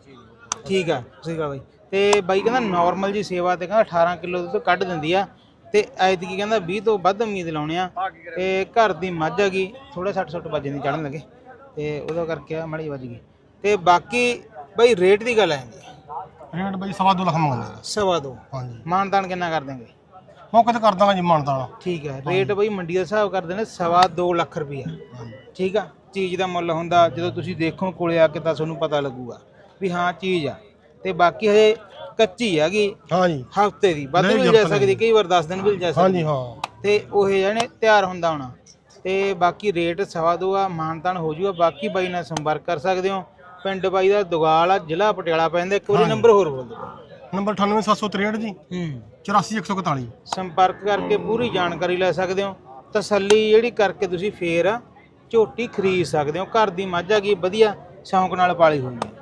D: ਠੀਕ ਆ। ਸਹੀ ਗੱਲ ਬਾਈ। ਤੇ ਬਾਈ ਕਹਿੰਦਾ ਨਾਰਮਲ ਜੀ ਸੇਵਾ ਤੇ ਕਹਿੰਦਾ 18 ਕਿਲੋ ਦੁੱਧ ਕੱਢ ਦਿੰਦੀ ਆ ਤੇ ਐਤਕੀ ਕਹਿੰਦਾ 20 ਤੋਂ ਵੱਧ ਉਮੀਦ ਲਾਉਣੇ ਆ। ਤੇ ਘਰ ਦੀ ਮੱਝ ਹੈਗੀ, ਥੋੜਾ 60 ਵੱਜੇ ਨਹੀਂ ਚੜਨ ਲੱਗੇ ਤੇ ਉਹਦਾ ਕਰਕੇ ਆ ਮੜੀ ਵੱਜ ਗਈ। ਤੇ ਬਾਕੀ ਬਾਈ ਰੇਟ ਦੀ ਗੱਲ ਆਂਦੀ
C: ਰੇਟ ਬਈ 2.5 ਲੱਖ ਮੰਗਦੇ ਆ।
D: 2.5
C: ਹਾਂਜੀ
D: ਮਾਨਦਾਨ ਕਿੰਨਾ ਕਰ ਦੇਂਗੇ?
C: ਮੌਕੇ ਤੇ ਕਰ ਦਾਂਗਾ ਜੀ ਮਾਨਤਾਨ।
D: ਠੀਕ ਹੈ। ਰੇਟ ਬਾਈ ਮੰਡੀ ਦਾ ਹਿਸਾਬ ਕਰਦੇ ਨੇ 2.5 ਲੱਖ ਰੁਪਈਆ। ਠੀਕ ਆ। ਚੀਜ਼ ਦਾ ਮੁੱਲ ਹੁੰਦਾ ਜਦੋਂ ਤੁਸੀਂ ਦੇਖੋ ਕੋਲੇ ਆ ਕੇ ਤਾਂ ਤੁਹਾਨੂੰ ਪਤਾ ਲੱਗੂਗਾ ਵੀ ਹਾਂ ਚੀਜ਼ ਆ। ਤੇ ਬਾਕੀ ਹਜੇ ਕੱਚੀ ਹੈਗੀ।
C: ਹਾਂਜੀ
D: ਹਫਤੇ ਦੀ ਵੱਧ ਵੀ ਜਾ ਸਕਦੀ, ਕਈ ਵਾਰ 10 ਦਿਨ ਵੀ ਜਾ ਸਕਦੀ।
C: ਹਾਂਜੀ ਹਾਂ
D: ਤੇ ਉਹ ਜਾਨੇ ਤਿਆਰ ਹੁੰਦਾ ਹੋਣਾ। ਤੇ ਬਾਕੀ ਰੇਟ 2.5 ਆ, ਮਾਨਤਾਨ ਹੋ ਜੂਗਾ। ਬਾਕੀ ਬਾਈ ਨਾਲ ਸੰਪਰਕ ਕਰ ਸਕਦੇ ਹੋ। ਪਿੰਡ ਬਾਈ ਦਾ ਦੁਗਾਲ ਆ, ਜ਼ਿਲ੍ਹਾ ਪਟਿਆਲਾ ਪੈਂਦਾ। ਇੱਕ ਵਾਰੀ ਨੰਬਰ ਹੋਰ ਬੋਲ ਦਿਓ।
C: ਨੰਬਰ 98763 ਜੀ 84141।
D: ਸੰਪਰਕ ਕਰਕੇ ਪੂਰੀ ਜਾਣਕਾਰੀ ਲੈ ਸਕਦੇ ਹੋ। ਤਸੱਲੀ ਜਿਹੜੀ ਕਰਕੇ ਤੁਸੀਂ ਫੇਰ ਝੋਟੀ ਖਰੀਦ ਸਕਦੇ ਹੋ। ਘਰ ਦੀ ਮੱਝ ਹੈਗੀ, ਵਧੀਆ ਸ਼ੌਂਕ ਨਾਲ ਪਾਲੀ ਹੋਈ ਹੈ।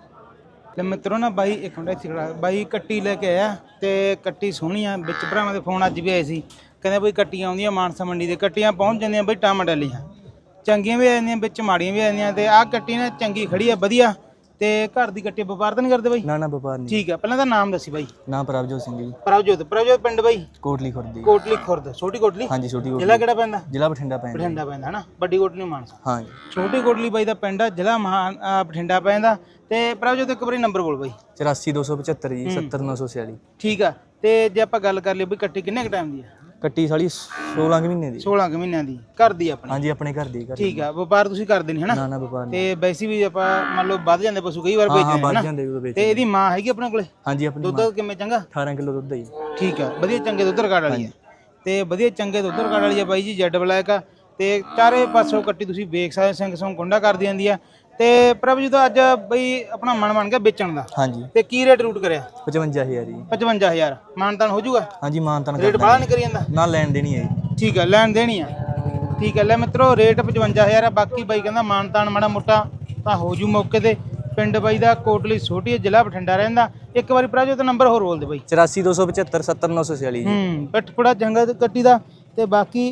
D: ਲੈ ਮਿੱਤਰੋ ਨਾ ਬਾਈ ਇੱਕ ਮਿੰਟ ਇੱਥੇ ਖੜਾ, ਬਾਈ ਕੱਟੀ ਲੈ ਕੇ ਆਇਆ ਤੇ ਕੱਟੀ ਸੋਹਣੀ ਆ। ਵਿੱਚ ਭਰਾਵਾਂ ਦੇ ਫੋਨ ਅੱਜ ਵੀ ਆਏ ਸੀ, ਕਹਿੰਦੇ ਬਈ ਕੱਟੀਆਂ ਆਉਂਦੀਆਂ ਮਾਨਸਾ ਮੰਡੀ ਦੇ। ਕੱਟੀਆਂ ਪਹੁੰਚ ਜਾਂਦੀਆਂ ਬਈ ਟਮਾਟਲੀਆਂ, ਚੰਗੀਆਂ ਵੀ ਆ ਜਾਂਦੀਆਂ ਵਿੱਚ ਮਾੜੀਆਂ ਵੀ ਆ ਜਾਂਦੀਆਂ। ਤੇ ਆਹ ਕੱਟੀ ਨਾ ਚੰਗੀ ਖੜੀ ਆ ਵਧੀਆ। ਤੇ ਘਰ ਦੀ ਕੱਟੀ ਵਪਾਰ ਤਾਂ ਨਹੀਂ ਕਰਦੇ ਬਾਈ?
G: ਨਾ ਨਾ ਵਪਾਰ ਨਹੀਂ।
D: ਠੀਕ ਆ। ਪਹਿਲਾਂ ਤਾਂ ਨਾਮ ਦੱਸੀ ਬਾਈ।
G: ਨਾਮ ਪ੍ਰਭਜੋਤ ਸਿੰਘ ਜੀ।
D: ਪ੍ਰਭਜੋਤ ਪਿੰਡ ਬਾਈ?
G: ਕੋਟਲੀ ਖੁਰਦ।
D: ਕੋਟਲੀ ਖੁਰਦ, ਛੋਟੀ ਕੋਟਲੀ।
G: ਹਾਂਜੀ ਛੋਟੀ ਕੋਟਲੀ।
D: ਜ਼ਿਲ੍ਹਾ ਕਿਹੜਾ ਪੈਂਦਾ?
G: ਜ਼ਿਲ੍ਹਾ ਬਠਿੰਡਾ ਪੈਂਦਾ।
D: ਬਠਿੰਡਾ ਪੈਂਦਾ ਹਨਾ। ਵੱਡੀ ਕੋਟਲੀ ਮਾਨਸਾ।
G: ਹਾਂਜੀ
D: ਛੋਟੀ ਕੋਟਲੀ ਬਾਈ ਦਾ ਪਿੰਡ ਆ, ਜ਼ਿਲ੍ਹਾ ਬਠਿੰਡਾ ਪੈਂਦਾ। ਤੇ ਪ੍ਰਭਜੋਤ ਇੱਕ ਵਾਰੀ ਨੰਬਰ ਬੋਲ ਬਾਈ।
G: 84275 ਜੀ 70946।
D: ਠੀਕ ਆ। ਤੇ ਜੇ ਆਪਾਂ ਗੱਲ ਕਰ ਲਈ ਬਈ ਕੱਟੀ ਕਿੰਨੇ ਕ ਟਾਈਮ ਦੀ ਆ?
G: ਕੱਟੀ ਸਾਲੀ 16 ਕੁ ਮਹੀਨੇ ਦੀ।
D: 16 ਕੁ ਮਹੀਨਿਆਂ ਦੀ ਘਰ ਦੀ ਆਪਣੀ?
G: ਹਾਂਜੀ ਆਪਣੇ ਘਰ ਦੀ।
D: ਠੀਕ ਆ। ਵਪਾਰ ਤੁਸੀਂ ਕਰਦੇ ਨਹੀਂ ਹਨਾ?
G: ਨਾ ਨਾ ਵਪਾਰ ਨਹੀਂ।
D: ਤੇ ਵੈਸੇ ਵੀ ਆਪਾਂ ਮੰਨ ਲਓ ਵੱਧ ਜਾਂਦੇ ਪਸ਼ੂ, ਕਈ ਵਾਰ ਵੇਚਦੇ
G: ਵੱਧ
D: ਹਨਾ।
G: ਜਾਂਦੇ ਉਦੋਂ ਵੇਚ।
D: ਤੇ ਇਹਦੀ ਮਾਂ ਹੈਗੀ ਆਪਣੇ ਕੋਲੇ?
G: ਹਾਂਜੀ ਆਪਣੀ
D: ਦੁੱਧ ਕਿਵੇਂ ਚੰਗਾ?
G: 18 ਕਿਲੋ ਦੁੱਧ ਹੈ ਜੀ।
D: ਠੀਕ ਆ। ਵਧੀਆ ਚੰਗੇ ਦੁੱਧ ਰਿਕਾਰਡ ਵਾਲੀ ਆ। ਤੇ ਵਧੀਆ ਚੰਗੇ ਦੁੱਧ ਰਿਕਾਰਡ ਵਾਲੀ ਆ ਬਾਈ ਜੀ। ਜੈਡ ਬਲੈਕ ਆ। ਤੇ ਚਾਰੇ ਪਾਸੋਂ ਕੱਟੀ ਤੁਸੀਂ ਵੇਖ ਸਕਦੇ, ਸਿੰਘ ਸੌਂ ਕੁੰਡਾ ਕਰਦੀ ਜਾਂਦੀ ਆ। ਤੇ ਪ੍ਰਭਜੋਤ ਅੱਜ ਬਈ ਆਪਣਾ ਮਨ ਬਣ ਗਿਆ ਵੇਚਣ ਦਾ।
G: ਹਾਂਜੀ।
D: ਤੇ ਕੀ ਰੇਟ ਰੂਟ ਕਰਿਆ?
G: 55000 ਜੀ।
D: 55000 ਮਾਨਤਾਨ ਹੋ ਜਾਊਗਾ?
G: ਹਾਂਜੀ ਮਾਨਤਾਨ
D: ਰੇਟ ਬਾਹਲਾ ਨਹੀਂ ਕਰੀ ਜਾਂਦਾ?
G: ਨਾ ਲੈਣ ਦੇਣੀ ਹੈ ਜੀ।
D: ਠੀਕ ਹੈ, ਲੈਣ ਦੇਣੀ ਆ। ਠੀਕ ਹੈ। ਲੈ ਮਿੱਤਰੋ ਰੇਟ 55000 ਆ। ਬਾਕੀ ਬਾਈ ਕਹਿੰਦਾ ਮਾਨਤਾਨ ਮਾੜਾ ਮੋਟਾ ਤਾਂ ਹੋ ਜੂ ਮੌਕੇ ਤੇ। ਪਿੰਡ ਬਾਈ ਦਾ ਕੋਟਲੀ ਛੋਟੀ, ਜ਼ਿਲ੍ਹਾ ਬਠਿੰਡਾ ਰਹਿੰਦਾ। ਇੱਕ ਵਾਰੀ ਪ੍ਰਭਜੋਤ ਨੰਬਰ ਹੋਰ ਬੋਲ ਦੇ ਬਾਈ।
G: 84275 70946 ਜੀ।
D: ਪਟਪੜਾ ਜੰਗਾ ਕੱਟੀ ਦਾ। ਤੇ ਬਾਕੀ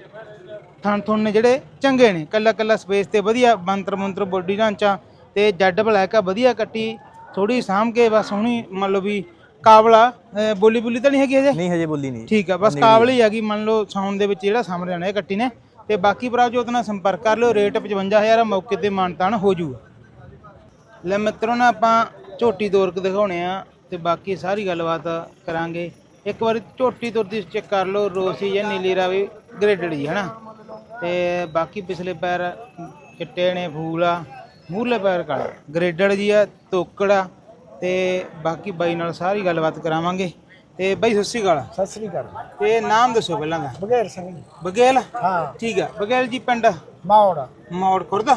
D: ਥਣ ਥੁਣ ਨੇ ਜਿਹੜੇ ਚੰਗੇ ਨੇ, ਕੱਲਾ ਕੱਲਾ ਸਪੇਸ ਤੇ ਵਧੀਆ ਮੰਤਰ ਬੋਡੀ ਢਾਂਚਾ ਤੇ ਜੈਡ ਬਲੈਕ ਆ। ਵਧੀਆ ਕੱਟੀ, ਥੋੜੀ ਸਾਂਭ ਕੇ ਬਸ ਸੋਹਣੀ ਮੰਨ ਲਓ ਵੀ ਕਾਬਲਾ। ਬੋਲੀ ਤਾਂ ਨਹੀਂ ਹੈਗੀ ਹਜੇ?
G: ਨਹੀਂ ਹਜੇ ਬੋਲੀ ਨਹੀਂ।
D: ਠੀਕ ਆ। ਬਸ ਕਾਬਲ ਹੀ ਹੈਗੀ ਮੰਨ ਲਓ ਸਾਉਣ ਦੇ ਵਿੱਚ ਜਿਹੜਾ ਸਾਹਮਣੇ ਆਣਾ ਇਹ ਕੱਟੀ ਨੇ। ਤੇ ਬਾਕੀ ਪ੍ਰਭਜੋਤ ਨਾਲ ਸੰਪਰਕ ਕਰ ਲਿਓ। ਰੇਟ 55000 ਆ, ਮੌਕੇ ਤੇ ਮਾਨਤਾਨ ਹੋ ਜੂਗਾ। ਲੈ ਮਿੱਤਰੋ ਨਾ ਆਪਾਂ ਝੋਟੀ ਤੋਰ ਕੇ ਦਿਖਾਉਣੇ ਆ ਤੇ ਬਾਕੀ ਸਾਰੀ ਗੱਲਬਾਤ ਕਰਾਂਗੇ। ਇੱਕ ਵਾਰੀ ਝੋਟੀ ਤੁਰਦੀ ਚੈੱਕ ਕਰ ਲਓ। ਰੋਸੀ ਜਾਂ ਨੀਲੀ ਰਾਵੀ ਗ੍ਰੇਡਡ ਜੀ ਹਨਾ। ਤੇ ਬਾਕੀ ਪਿਛਲੇ ਪੈਰ ਚਿੱਟੇ ਨੇ, ਫੂਲ ਆ। ਮੂਹਰਲੇ ਪੈਰ ਕਾਲਾ ਗ੍ਰੇਡਡ ਜੀ ਆ, ਤੋਕੜ ਆ। ਤੇ ਬਾਕੀ ਬਾਈ ਨਾਲ ਸਾਰੀ ਗੱਲਬਾਤ ਕਰਾਵਾਂਗੇ। ਤੇ ਬਾਈ ਸਤਿ ਸ਼੍ਰੀ ਅਕਾਲ।
H: ਸਤਿ ਸ੍ਰੀ ਅਕਾਲ।
D: ਤੇ ਨਾਮ ਦੱਸੋ ਪਹਿਲਾਂ ਦਾ।
H: ਬਗੈਰ ਸਿੰਘ ਜੀ।
D: ਬਗੇਲ?
H: ਹਾਂ
D: ਠੀਕ ਆ। ਬਗੇਲ ਜੀ ਪਿੰਡ?
H: ਮੌੜ
D: ਖੁਰਦ।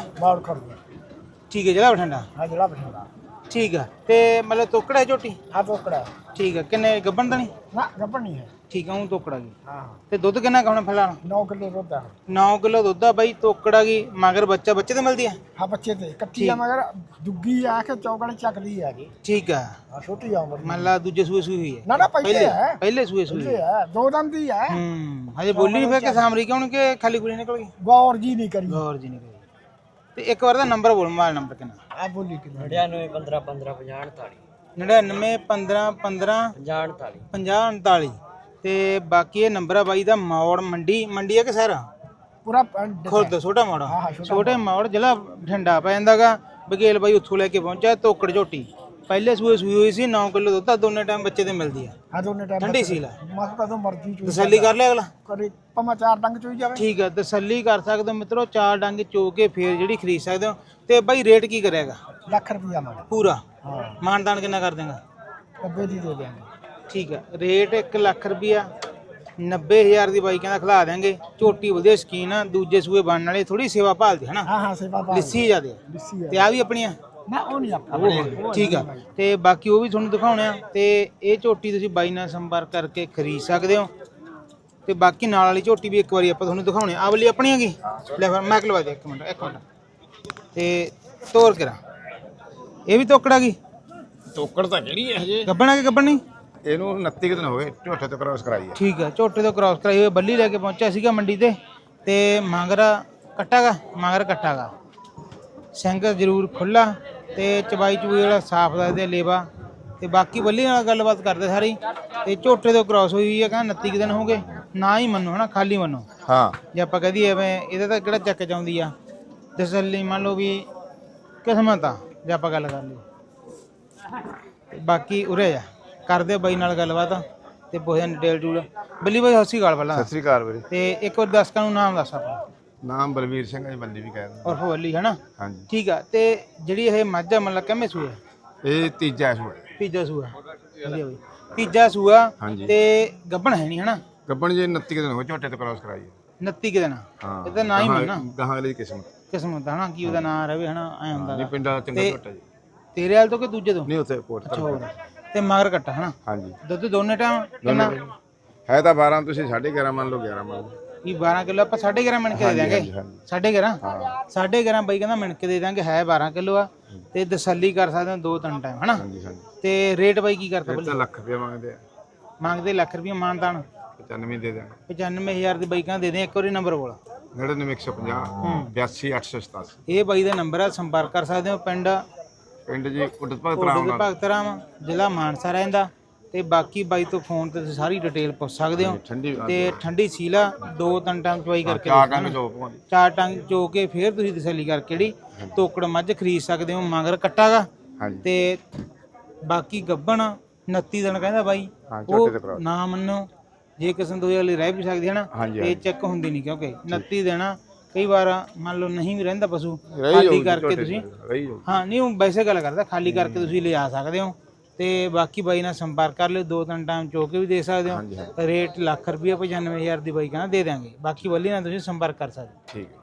D: ਠੀਕ ਹੈ। ਜ਼ਿਲ੍ਹਾ ਬਠਿੰਡਾ?
H: ਹਾਂ ਜ਼ਿਲ੍ਹਾ ਬਠਿੰਡਾ।
D: ਠੀਕ ਆ। ਤੇ ਮਤਲਬ ਤੋਕੜਾ ਹੈ ਝੋਟੀ?
H: ਹਾਂ ਤੋਕੜਾ।
D: ਠੀਕ ਆ। ਕਿੰਨੇ ਗੱਭਣ ਤਾਂ ਨਹੀਂ?
H: ਨਾ ਗੱਪਣ ਨਹੀਂ ਹੈ।
D: ਠੀਕ ਆ। ਉਹ ਤੋਕੜਾ ਗਈ।
H: ਹਾਂ
D: ਤੇ ਦੁੱਧ ਕਿੰਨਾ ਖਾਣਾ ਫਿਲਹਾਲ?
H: 9 ਕਿਲੋ ਦੁੱਧ ਆ।
D: 9 ਕਿਲੋ ਦੁੱਧ ਆ ਬਾਈ। ਤੋਕੜਾ ਗਈ ਮਗਰ ਬੱਚੇ ਤੇ ਮਿਲਦੀ ਆ?
H: ਹਾਂ ਬੱਚੇ ਤੇ ਕੱਟੀ ਆ, ਮਗਰ ਦੁੱਗੀ ਆ ਕੇ ਚੌਕੜੀ ਚੱਕਦੀ ਆ ਜੀ।
D: ਠੀਕ ਆ।
H: ਹਾਂ ਛੋਟੀ ਆ ਉਮਰ ਦੀ।
D: ਮੰਨ ਲਾ ਦੂਜੇ ਸੂਏ ਹੋਈ ਹੈ?
H: ਨਾ ਪਹਿਲੇ ਹੈ।
D: ਪਹਿਲੇ ਸੂਏ
H: ਇਹ ਹੈ 2 ਦੰਦ ਦੀ ਹੈ।
D: ਹਜੇ ਬੋਲੀ ਨਹੀਂ ਫਿਰ ਕਿ ਸਾਮਰੀ ਕਿਉਂ ਕਿ ਖਾਲੀ ਗੁਲੀ ਨਿਕਲ ਗਈ?
H: ਗੌਰ ਜੀ ਨਹੀਂ ਕਰੀ।
D: ਗੌਰ ਜੀ ਨਹੀਂ ਕਰੀ। ਤੇ ਇੱਕ ਵਾਰ ਦਾ ਨੰਬਰ ਬੋਲ, ਮੋਬਾਈਲ ਨੰਬਰ ਕਿੰਨਾ?
H: ਆ ਬੋਲੀ ਕਿੰਨਾ?
G: 9915155048।
D: 9915155048। ਤੇ ਬਾਕੀ ਇਹ ਨੰਬਰ ਆ ਬਾਈ ਦਾ। ਮੌੜ ਮੰਡੀ ਹੈ ਕਿ ਸਾਰਾ
H: ਪੂਰਾ
D: ਖੁਰਦ? ਛੋਟਾ ਮੌੜ।
H: ਹਾਂ,
D: ਛੋਟੇ ਮੌੜ, ਜ਼ਿਲ੍ਹਾ ਬਠਿੰਡਾ ਪੈ ਜਾਂਦਾਗਾ। ਬਗੇਲ ਬਾਈ ਉੱਥੋਂ ਲੈ ਕੇ ਪਹੁੰਚਿਆ। ਤੋਕੜ ਝੋਟੀ ਪਹਿਲੇ ਸੂਏ ਸੂਈ ਹੋਈ ਸੀ 9 ਕਿਲੋ ਦੁੱਧ ਆ, ਦੋਨੇ ਟਾਈਮ ਬੱਚੇ ਤੇ ਮਿਲਦੀ ਆ,
H: ਆ ਦੋਨੇ ਟਾਈਮ
D: ਠੰਡੀ ਸੀਲ ਆ।
H: ਮਸ ਕਦੋਂ ਮਰਜ਼ੀ ਚੋਈ
D: ਤਸੱਲੀ ਕਰ ਲਿਆ ਅਗਲਾ।
H: ਕਰੇ ਭਾਵੇਂ 4 ਡੰਗ ਚੋਈ ਜਾਵੇ।
D: ਠੀਕ ਆ, ਤਸੱਲੀ ਕਰ ਸਕਦੇ ਹੋ ਮਿੱਤਰੋ, 4 ਡੰਗ ਚੋ ਕੇ ਫੇਰ ਜਿਹੜੀ ਖਰੀਦ ਸਕਦੇ ਹੋ। ਤੇ ਬਾਈ ਰੇਟ ਕੀ ਕਰੇਗਾ?
H: ਲੱਖ ਰੁਪਇਆ ਮੰਗ।
D: ਪੂਰਾ
H: ਹਾਂ
D: ਮਾਨਦਾਨ ਕਿੰਨਾ ਕਰ ਦੇਗਾ?
H: 90 ਦੀ ਦੇ ਦਿਆਂਗੇ।
D: ਠੀਕ ਆ, ਰੇਟ 1 ਲੱਖ ਰੁਪਇਆ 90,000 ਦੀ ਬਾਈ ਕਹਿੰਦਾ ਖਿਲਾ ਦੇਾਂਗੇ। ਝੋਟੀ ਵਧੀਆ ਸਕੀਨ ਆ, ਦੂਜੇ ਸੂਏ ਬਣਨ ਵਾਲੇ, ਥੋੜੀ ਸੇਵਾ ਭਾਲਦੀ ਹੈ ਨਾ,
H: ਹਾਂ ਹਾਂ ਸੇਵਾ ਪਾ
D: ਲਿੱਸੀ ਜਿਆਦੇ ਆ।
H: ਲਿੱਸੀ ਆ
D: ਤੇ ਆ ਵੀ ਆਪਣੀਆਂ
H: ਨਾ ਉਹ ਨਹੀਂ ਆਪਾਂ
D: ਠੀਕ ਆ। ਤੇ ਬਾਕੀ ਉਹ ਵੀ ਤੁਹਾਨੂੰ ਦਿਖਾਉਣੇ ਆ। ਤੇ ਇਹ ਝੋਟੀ ਤੁਸੀਂ ਬਾਈ ਨਾਲ ਸੰਪਰਕ ਕਰਕੇ ਖਰੀਦ ਸਕਦੇ ਹੋ। ਤੇ ਬਾਕੀ ਨਾਲ ਵਾਲੀ ਝੋਟੀ ਵੀ ਇੱਕ ਵਾਰੀ ਆਪਾਂ ਤੁਹਾਨੂੰ ਦਿਖਾਉਣੇ ਆ। ਵਾਲੀ ਆਪਣੀਆਂ ਕੀ ਲੈ ਫਿਰ ਮੈਂ ਲਵਾ ਦੇ ਇੱਕ ਮਿੰਟ ਤੇ ਤੋਰ ਕਰਾਂ। ਇਹ ਵੀ ਤੋਕੜਾ ਗਈ?
I: ਤੋਕੜ ਤਾਂ ਜਿਹੜੀ ਹੈ ਹਜੇ
D: ਗੱਬਣਾ ਕਿ ਗੱਬਣ ਨਹੀਂ?
I: ਇਹਨੂੰ 29 ਕੁ ਦਿਨ ਹੋ ਗਏ ਝੋਟੇ ਤੋਂ ਕ੍ਰਾਸ ਕਰਾਈ ਹੈ।
D: ਠੀਕ ਆ, ਝੋਟੇ ਤੋਂ ਕ੍ਰਾਸ ਕਰਾਈ ਹੋਈ ਬੱਲੀ ਲੈ ਕੇ ਪਹੁੰਚਿਆ ਸੀਗਾ ਮੰਡੀ ਤੇ ਮਾਂਗਰਾ ਕੱਟਾਗਾ, ਮਾਂਗਰ ਕੱਟਾਗਾ, ਸਿੰਘ ਜ਼ਰੂਰ ਖੁੱਲਾ ਤੇ ਚਬਾਈ ਚੂਈ ਵਾਲਾ ਸਾਫ ਦੱਸਦੇ ਲੇਵਾ। ਤੇ ਬਾਕੀ ਬੱਲੀ ਨਾਲ ਗੱਲਬਾਤ ਕਰਦੇ ਸਾਰੀ। ਤੇ ਝੋਟੇ ਤੋਂ ਕ੍ਰਾਸ ਹੋਈ ਹੈ, ਕਹਿੰਦਾ 29 ਦਿਨ ਹੋ ਗਏ। ਨਾ ਹੀ ਮੰਨੋ ਹਨਾ, ਖਾਲੀ ਮੰਨੋ।
I: ਹਾਂ
D: ਜੇ ਆਪਾਂ ਕਹਦੀ ਐਵੇਂ ਇਹਦਾ ਤਾਂ ਕਿਹੜਾ ਚੱਕ ਚਾਉਂਦੀ ਆ, ਤਸੱਲੀ ਮੰਨ ਲਓ ਵੀ ਕਿਸਮਤ ਆ ਜੇ ਆਪਾਂ ਗੱਲ ਕਰ ਲਈ। ਬਾਕੀ ਉਰੇ ਜਾ ਕਰਦੇ ਬਾਈ ਨਾਲ ਗੱਲਬਾਤ ਤੇ ਪੁੱਛਦੇ ਡਿਟੇਲ ਟੂਲ। ਬੱਲੀ ਬਾਈ ਸਤਿ ਸ਼੍ਰੀ ਅਕਾਲ ਪਹਿਲਾਂ।
I: ਸਤਿ ਸ੍ਰੀ ਅਕਾਲ ਵੀਰੇ।
D: ਤੇ ਇੱਕ ਵਾਰ ਦਰਸ਼ਕਾਂ ਨੂੰ ਨਾਮ ਦੱਸ ਆਪਣਾ।
I: ਨਾਮ ਬਲਵੀਰ ਸਿੰਘ ਹੈ ਜੀ, ਬੰਦੀ ਵੀ ਕਹਿ ਦਿੰਦੇ।
D: ਔਰ ਬੱਲੀ ਹਨਾ?
I: ਹਾਂਜੀ।
D: ਠੀਕ ਆ। ਤੇ ਜਿਹੜੀ ਇਹ ਮੱਝ ਆ ਮਤਲਬ ਕਿੰਨੇ ਸੂਆ?
I: ਇਹ ਤੀਜਾ ਸੂਆ।
D: ਤੀਜਾ ਸੂਆ। ਵਧੀਆ ਬਾਈ, ਤੀਜਾ ਸੂਆ।
I: ਹਾਂਜੀ।
D: ਤੇ ਗੱਭਣ ਹੈ ਨਹੀਂ ਹਨਾ?
I: ਗੱਬਣ ਜੀ 29 ਕੁ ਦਿਨ ਹੋ ਗਏ ਝੋਟੇ ਤੋਂ ਕ੍ਰਾਸ ਕਰਾਈ ਹੈ।
D: 29 ਕਿ ਦਿਨ?
I: ਹਾਂ
D: ਇਹਦਾ ਨਾਂ ਹੀ ਮੰਨਾ
I: ਗਾਹਾਂ ਵਾਲੀ ਕਿਸਮਤ
D: ਕਿਸਮਤ ਹਨਾ, ਕੀ ਉਹਦਾ ਨਾਂ ਰਵੇ ਹਨਾ, ਐ ਹੁੰਦਾ
I: ਨਹੀਂ
D: ਗਾ।
I: ਪਿੰਡਾਂ ਦਾ ਚੰਗਾ
D: ਤੇ
I: ਝੋਟਾ ਜੀ।
D: ਤੇਰੇ ਵਾਲ ਤੋਂ ਕਿ ਦੂਜੇ ਤੋਂ?
I: ਨਹੀਂ ਉੱਥੇ ਕੋਟ
D: ਹੋਰ ਤੇ ਮਗਰ ਕੱਟਾ ਹਨਾ?
I: ਹਾਂਜੀ।
D: ਦੁੱਧ ਦੋਨੇ ਟਾਈਮ ਕਿੰਨਾ?
I: ਹੈ ਤਾਂ 12, ਤੁਸੀਂ 11.5 ਮੰਨ ਲਓ, 11 ਮੰਨ ਲਓ।
D: ਵੀ 12 ਕਿਲੋ ਆਪਾਂ 11.5 ਮਿਣ ਕੇ ਦੇ ਦਾਂਗੇ। 11.5?
I: ਹਾਂ
D: 11.5 ਬਾਈ ਕਹਿੰਦਾ ਮਿਣ ਕੇ ਦੇ ਦਾਂਗੇ। ਹੈ 12 ਕਿਲੋ ਆ ਤੇ ਤਸੱਲੀ ਕਰ ਸਕਦੇ ਹੋ 2-3 ਟਾਈਮ ਹਨਾ?
I: ਹਾਂਜੀ ਹਾਂਜੀ।
D: ਤੇ ਰੇਟ ਬਾਈ ਕੀ ਕਰਦਾ?
I: ਇਹ ਤਾਂ ਲੱਖ ਰੁਪਏ ਮੰਗਦੇ ਆ।
D: ਮੰਗਦੇ ਲੱਖ ਰੁਪਏ ਮਾਨਦਾਨ
I: 95 ਦੇ ਦਿਆਂਗੇ।
D: 95,000 ਦੀ ਬਾਈ ਕਹਿੰਦਾ ਦੇ ਦੇ। ਇੱਕ ਵਾਰੀ ਨੰਬਰ ਬੋਲ।
I: 99 150 82 887।
D: ਇਹ ਬਾਈ ਦਾ ਨੰਬਰ ਆ, ਸੰਪਰਕ ਕਰ ਸਕਦੇ ਹੋ। ਪਿੰਡ
I: ਜੀ ਉਡਤ ਭਗਤ
D: ਕੋਟ
I: ਰਾਮ
D: ਦੇ ਭਗਤ ਰਾਮ, ਜ਼ਿਲ੍ਹਾ ਮਾਨਸਾ ਰਹਿੰਦਾ। ਤੇ ਬਾਕੀ ਬਾਈ ਤੋਂ ਫੋਨ ਤੇ ਤੁਸੀਂ ਸਾਰੀ ਡਿਟੇਲ ਪੁੱਛ ਸਕਦੇ ਹੋ।
I: ਠੰਡੀ
D: ਤੇ ਠੰਡੀ ਸੀਲਾ 2-3 ਟਾਈਮ ਚਵਾਈ ਕਰਕੇ
I: 4 ਟੰਗ ਜੋ ਪਵਾਂਗੇ।
D: 4 ਟੰਗ ਚੋ ਕੇ ਫੇਰ ਤੁਸੀਂ ਤਸੱਲੀ ਕਰਕੇ ਜਿਹੜੀ ਤੋਕੜ ਮੱਝ ਖਰੀਦ ਸਕਦੇ ਹੋ। ਮਗਰ ਕੱਟਾਗਾ
I: ਹਾਂਜੀ।
D: ਤੇ ਬਾਕੀ ਗੱਬਣ 29 ਦਿਨ ਕਹਿੰਦਾ ਬਾਈ।
I: ਹਾਂ, ਝੋਟੇ ਤੇ
D: ਉਹ
I: ਕਰਾਓ।
D: ਨਾ ਮੰਨੋ, ਜੇ ਕਿਸੇ ਦੋ ਵਾਲੀ ਰਹਿ ਵੀ ਸਕਦੀ ਹੈ ਨਾ,
I: ਹਾਂਜੀ,
D: ਇਹ ਚੈੱਕ ਹੁੰਦੀ ਨਹੀਂ, ਕਿਉਂਕਿ 29 ਦਿਨ ਕਈ ਵਾਰ ਮੰਨ ਲਓ ਨਹੀਂ ਵੀ ਰਹਿੰਦਾ ਪਸ਼ੂ,
I: ਰਹੀ
D: ਖਾਲੀ
I: ਜਾਊਗੀ
D: ਕਰਕੇ
I: ਝੋਟੇ
D: ਤੁਸੀਂ
I: ਤੇ, ਰਹੀ ਜਾਊਗੀ।
D: ਹਾਂ ਨਹੀਂ ਉਹ ਵੈਸੇ ਗੱਲ ਕਰਦਾ, ਖਾਲੀ ਕਰਕੇ ਤੁਸੀਂ ਲਿਜਾ ਸਕਦੇ ਹੋ। ਤੇ ਬਾਕੀ ਬਾਈ ਨਾਲ ਸੰਪਰਕ ਕਰ ਲਿਓ। 2-3 ਟਾਈਮ ਚੋ ਕੇ ਵੀ ਦੇ ਸਕਦੇ ਹੋ। ਰੇਟ ਲੱਖ ਰੁਪਏ 95,000 ਦੀ ਬਾਈ ਕਹਿੰਦਾ ਦੇ ਦਾਂਗੇ। ਬਾਕੀ ਬੱਲੀ ਨਾਲ ਤੁਸੀਂ ਸੰਪਰਕ ਕਰ ਸਕਦੇ ਹੋ।
I: ਠੀਕ ਹੈ।